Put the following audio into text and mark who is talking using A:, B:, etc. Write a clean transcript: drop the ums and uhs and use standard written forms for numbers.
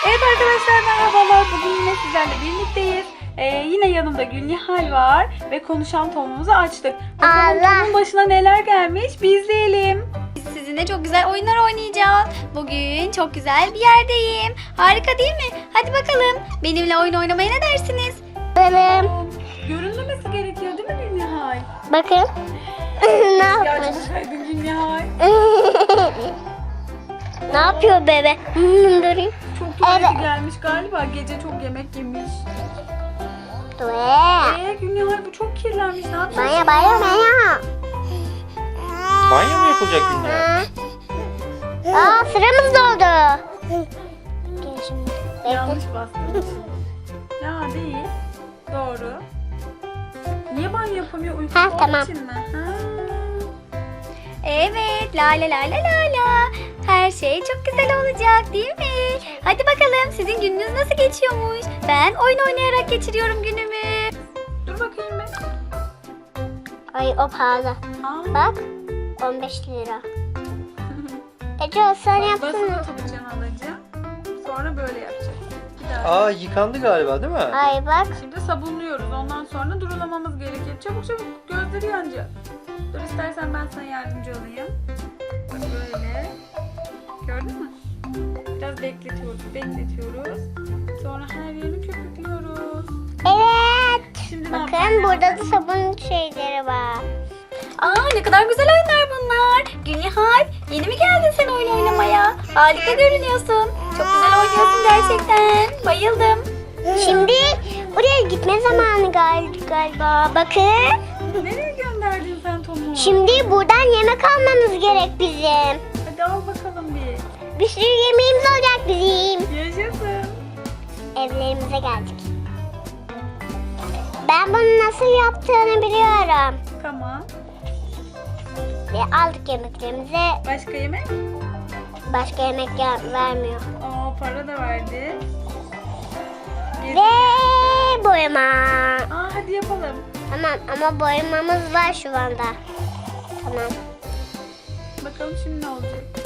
A: Evet arkadaşlar, merhabalar. Bugün yine sizlerle birlikteyiz. Yine yanımda Gülnihal var ve konuşan Tom'umuzu açtık. Bakalım Tom'un başına neler gelmiş, bir izleyelim.
B: Sizinle çok güzel oyunlar oynayacağız. Bugün çok güzel bir yerdeyim. Harika değil mi? Hadi bakalım. Benimle oyun oynamaya ne dersiniz?
C: Benim.
A: Görünmemesi gerekiyor değil mi Gülnihal?
C: Bakın. Ne yapmış?
A: Gerçekten Gülnihal.
C: Ne yapıyor bebe? Durayım.
A: Çok tuvaleti
C: Evet.
A: gelmiş galiba. Gece çok yemek yemiş.
C: Dur.
A: Gülnihal bu çok kirlenmiş. Ne yapacağız?
C: Baya baya baya.
D: Banyo mu yapılacak Gülnihal?
C: Aa, sıramız doldu. Gel şimdi. Bekle.
A: Yanlış bastım. Ya değil. Doğru. Niye banyo yapamıyor? Uykusu
C: Ha,
A: olduğu
C: tamam.
A: için mi? Ha.
B: Evet, la la la la la la. Her şey çok güzel olacak değil mi? Hadi bakalım, sizin gününüz nasıl geçiyormuş? Ben oyun oynayarak geçiriyorum günümü.
A: Dur bakayım ben.
C: Ay, o pahalı.
A: Aa.
C: Bak. 15 lira. Ece sen
A: Basılı
C: yapsana.
A: tutacaksın alacağım. Sonra böyle yapacağız. Bir daha.
D: Aa, yıkandı galiba değil mi?
C: Ay bak.
A: Şimdi sabunluyoruz. Ondan sonra durulamamız gerekir. Çabuk çabuk, gözleri yanacak. Dur, istersen ben sana yardımcı olayım. Bak böyle. Gördün mü? Biraz bekletiyoruz. Sonra her yerini köpüklüyoruz.
C: Evet.
A: Şimdi ne
C: Bakın
A: yapacağız?
C: burada da sabun şeyleri var.
B: Aa, ne kadar güzel oyunlar bunlar. Gülnihal, yeni mi geldin sen oyun oynamaya? Harika görünüyorsun. Çok güzel oynuyorsun gerçekten. Bayıldım.
C: Şimdi buraya gitme zamanı galiba. Bakın.
A: Nereye gönderdin sen Tom'u?
C: Şimdi buradan yemek almamız gerek bizim.
A: Hadi al bakalım bir.
C: Bir sürü yemeğimiz olacak bizim.
A: Yaşasın.
C: Evlerimize geldik. Ben bunu nasıl yaptığını biliyorum.
A: Tamam.
C: Ve aldık yemeklerimize.
A: Başka yemek?
C: Başka yemek vermiyor.
A: Aa, para da verdi.
C: Ve boyama.
A: Aa, hadi yapalım.
C: Tamam ama boyamamız var şu anda. Tamam.
A: Bakalım şimdi ne olacak?